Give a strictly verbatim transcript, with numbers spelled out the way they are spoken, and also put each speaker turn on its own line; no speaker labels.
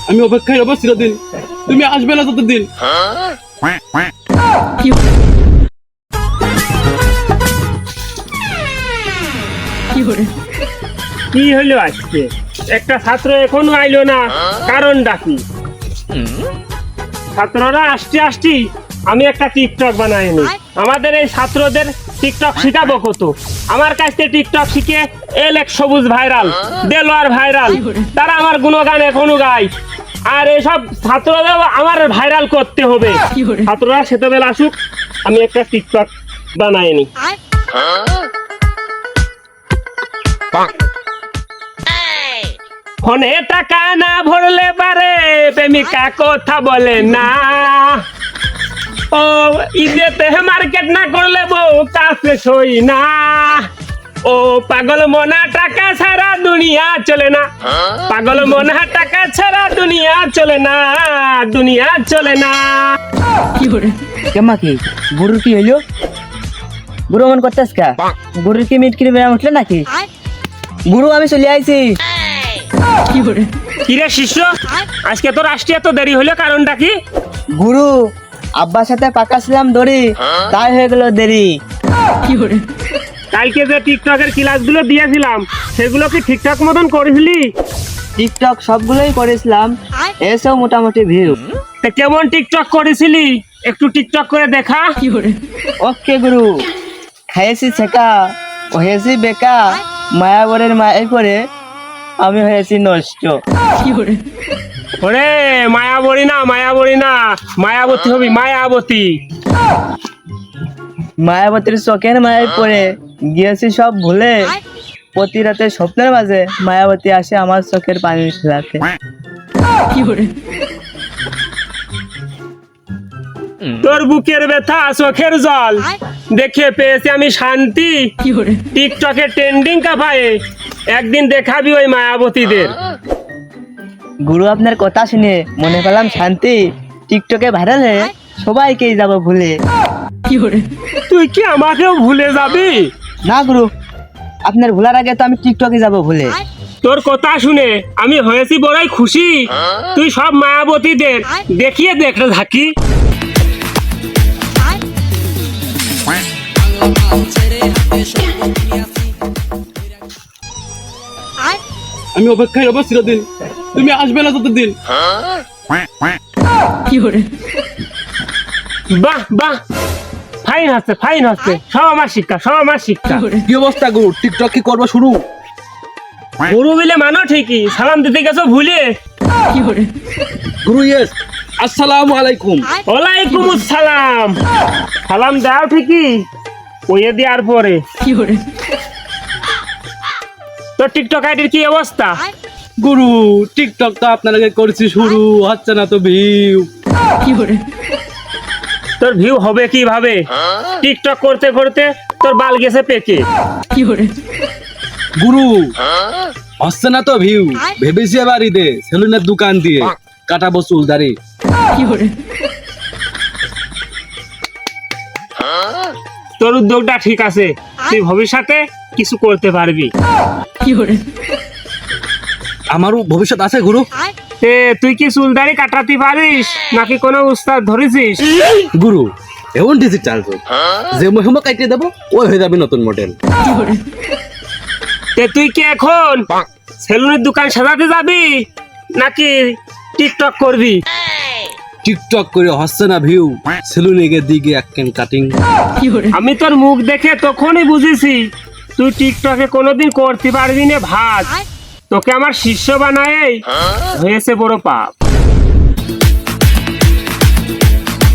আমি অপেক্ষায় রব চিরদিন, তুমি আসবে না ততদিন।
কি হলো আজকে? একটা ছাত্র এখনো আইলো না, কারণটা কি? ছাত্ররা আসতে আসতে আমি একটা টিকটক বানাই নি। আমাদের এই ছাত্রদের টিকটক শিখাবো কত? আমার কাছ থেকে টিকটক শিখে এল এক সবুজ ভাইরাল, দেলোয়ার ভাইরাল, তারা আমার গুণগান এখনো গায়। আর এসব ছাত্রদের আমার ভাইরাল করতে হবে। ছাত্ররা সেতবেলা আসুক, আমি একটা টিকটক বানাই নি। ফোনে টাকা না ভরলে পারে প্রেমিকা কথা বলে না। ও ঈদেতে মার্কেট না করলে বউ কাছে সই না। ও পাগল মনা টাকা ছাড়া দুনিয়া চলে না। পাগল মনা টাকা ছাড়া দুনিয়া চলে না, দুনিয়া চলে না।
কি করে কেমা কি গরুর কি হইলো? গরু মন করতেছ কা? গরুর কি মিট কিনে বেড়া উঠলে নাকি? গুরু আমি চলে আইছি। কি করে
কিরে শিষ্য, আজকে তোর আসতে এত দেরি হলো, কারণটা কি?
গুরু আব্বার সাথে পাকা ছিলাম দড়ি, তাই হয়ে গেল দেরি। কি করে
কালকে যে টিকটকের ক্লাসগুলো দিয়েছিলাম সেগুলো কি ঠিকঠাক মতন করেছিলি?
টিকটক সবগুলোই করেছিলাম, এসব মোটামুটি ভিউ।
তা কেমন টিকটক করেছিলি? একটু টিকটক করে দেখা।
কি করে ওকে গুরু, খাইয়েছি ছেকা, হয়েছি বেকা, মায়াবরের মায়ের পরে আমি হয়েছি নষ্ট। কি করে
ওরে মায়াবরী না, মায়াবরী না, মায়াবতী হবি, মায়াবতী।
মায়াবতীর চোখের মায়ের পরে গিয়েছি সব ভুলে, প্রতি রাতে স্বপ্নের মাঝে মায়াবতী আসে আমার চোখের পানি ফেলাতে। কি করে
তোর বুকের ব্যথা চোখের জল দেখে পেয়েছি আমি শান্তি।
কি করে
টিকটকে ট্রেন্ডিং কাপায়ে একদিন দেখাবি ওই মায়াবতীদের।
গুরু আপনার কথা শুনে মনে পেলাম শান্তি, টিকটকে ভাইরাল হয়ে সবাইকেই যাব ভুলে। কি করে
তুই কি আমাকেও ভুলে যাবি?
না গুরু, আপনার ভুলার আগে তো আমি টিকটকে যাব ভুলে।
তোর কথা শুনে আমি হয়েছি বড়ই খুশি। তুই সব মায়াবতীদের দেখিয়ে দেখে থাকি।
আমি অপেক্ষায় রব চিরদিন, তুমি আসবে না ততদিন।
কি করে
বাহ বাহ, ফাইন হচ্ছে, ফাইন হচ্ছে। সব আমার শিক্ষা, সব আমার শিক্ষা।
কি অবস্থা গুরু, টিকটক কি করবো শুরু?
গুরু বিলে মানো ঠিকই, সালাম দিতে গেছো ভুলে।
কি করে
গুরু ইয়েস, আসসালামু আলাইকুম।
ওয়ালাইকুম আসসালাম। সালাম দাও ঠিকই, ওয়ে দেওয়ার পরে।
কি করে
তোর টিকটক আইডির কি অবস্থা?
গুরু টিকটক তো আপনার আগে করেছি শুরু, হচ্ছে না তো ভিউ।
কি করে
তোর ভিউ হবে কিভাবে? টিকটক করতে করতে তোর বাল গেছে পেকে।
কি করে
গুরু হচ্ছে না তো ভিউ, ভেবেছি এবার ঈদে সেলুনের দোকান দিয়ে কাটাবো চুল দাড়ি।
কি করে
তোর উদ্যোগটা ঠিক আছে, তুই ভবিষ্যতে কিছু করতে পারবি।
কি করে
আমারও ভবিষ্যৎ আছে গুরু।
তে তুই কি চুল দাড়ি কাটাতে পারিস নাকি কোনো উস্তাদ ধরেছিস?
গুরু এমন ডিজিটাল যুগ, যে মহিমা কাটিয়ে দেবো ওই হয়ে যাবে নতুন মডেল।
কি করে
তে তুই কি এখন সেলুনের দোকান সাজাতে যাবি নাকি টিকটক করবি?
টিকটক করে হচ্ছে না ভিউ, সেলুনে গিয়ে দিকে এক ক্যান কাটিং।
কি করে
আমি তোর মুখ দেখে তখনই বুঝেছি তুই টিকটকে কোনোদিন করতে পারবি না। ভাত তোকে আমার শিষ্য বানায় হয়েছে বড় পাপ।